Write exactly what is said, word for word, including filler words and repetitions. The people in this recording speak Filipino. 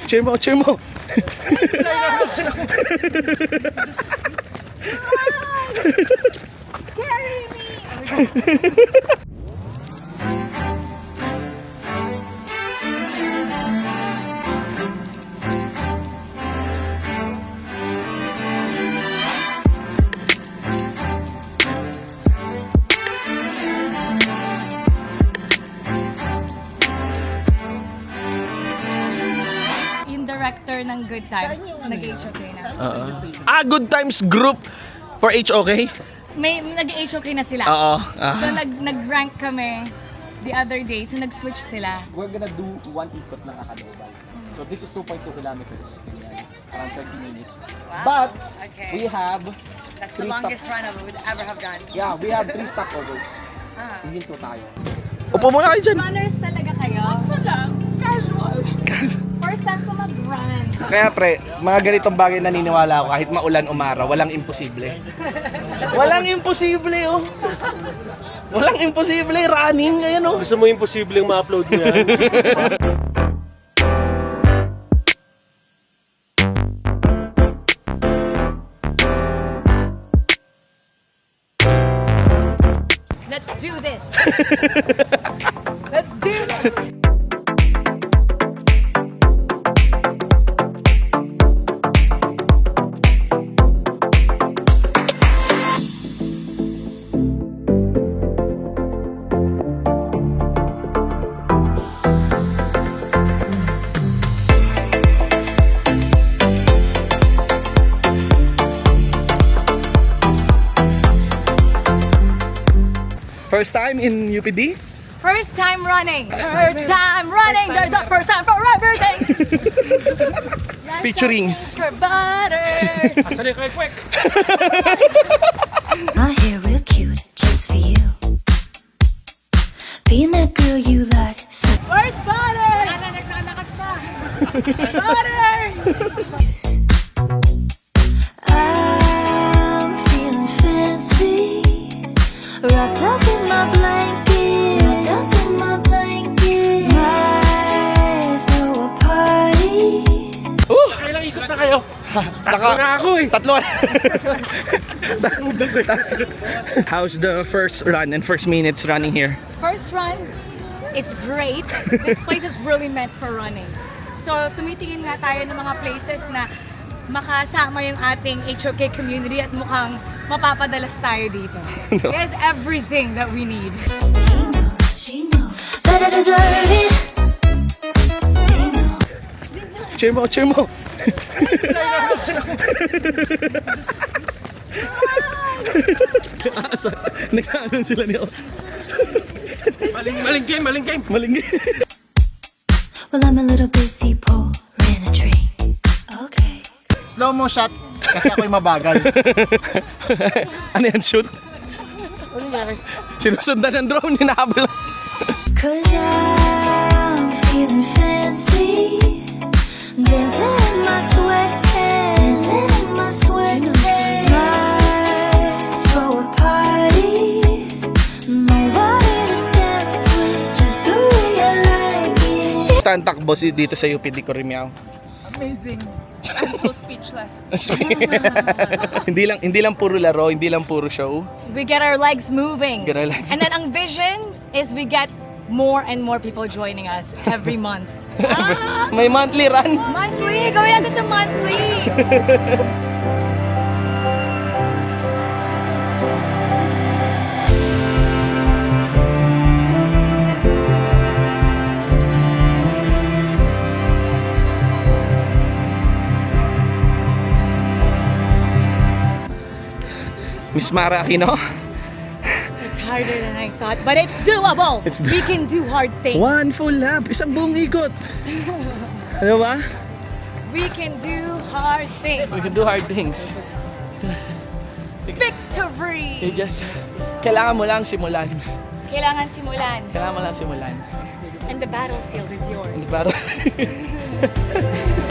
Cheer mo, cheer mo. Carry me! Yung director ng Good Times, nag-H O K na. Oo. Ah, Good Times Group for H O K? May nag-H O K na sila. Oo. Ah. So nag nag-rank kami the other day, so nag-switch sila. We're gonna do one ikot ng Akadobal. So this is two point two kilometers, ganyan, around thirty minutes. But Okay. we have That's three stop. run I would ever have done. Yeah, we have three stopovers. Ah. Hihinto tayo. Upo muna kayo dyan. Runners talaga kayo? Ako lang. Casual. First time ko mag-run. Kaya pre, mga ganitong bagay naniniwala ako kahit maulan umaraw, walang imposible. Walang imposible oh. Walang imposible, running ngayon oh. Gusto mo imposibleng ma-upload mo yan? Let's do this. Let's do this. First time in U P D? First time running. First time running. There's a first time for everything. Featuring For butters. Sorry, quick, quick! My hair real cute, just for you. Being that girl you like, so Where's butters? Butters. I'm feeling fancy. Wrapped up in my blanket. Wrapped up in my blanket. Might throw a party. Kailang ikot na kayo? Takbo na ako eh! tatlo. How's the first run and first minutes running here? First run, it's great. This place is really meant for running. So, tumitingin nga tayo ng mga places na makasama yung ating H O K community at mukhang mapapadalas tayo dito. There's everything that we need. He knows, she knows that I deserve it. They know. Cheer mo, cheer mo. Asa, nagkaanon sila niyo. Maling, maling game, maling game! Malinggi. Well, I'm a little busy pouring a drink. Okay. Slow mo shot kasi ako'y mabagal. Ano yan, shoot? Sinusundan ng drone, hinahabol. Cause I'm feeling fancy. Dancing in my sweatpants. Dancing in my sweatpants. Might throw a party. Nobody to dance with. Just the way I like it. Stand takbo si dito sa U P D Corimiao. Amazing. I'm so speechless. hindi lang hindi lang puro laro, hindi lang puro show. We get our legs moving. Get our legs And then ang vision is we get more and more people joining us every month. Ah, May monthly run. monthly! Gawin natin ito monthly! Miss Mara Aquino. It's harder than I thought, but it's doable! It's do- We can do hard things. One full lap, isang buong ikot. Ano ba? We can do hard things. We can do hard things. Victory! You just, kailangan mo lang simulan. Kailangan simulan. Kailangan mo lang simulan. And the battlefield is yours. Para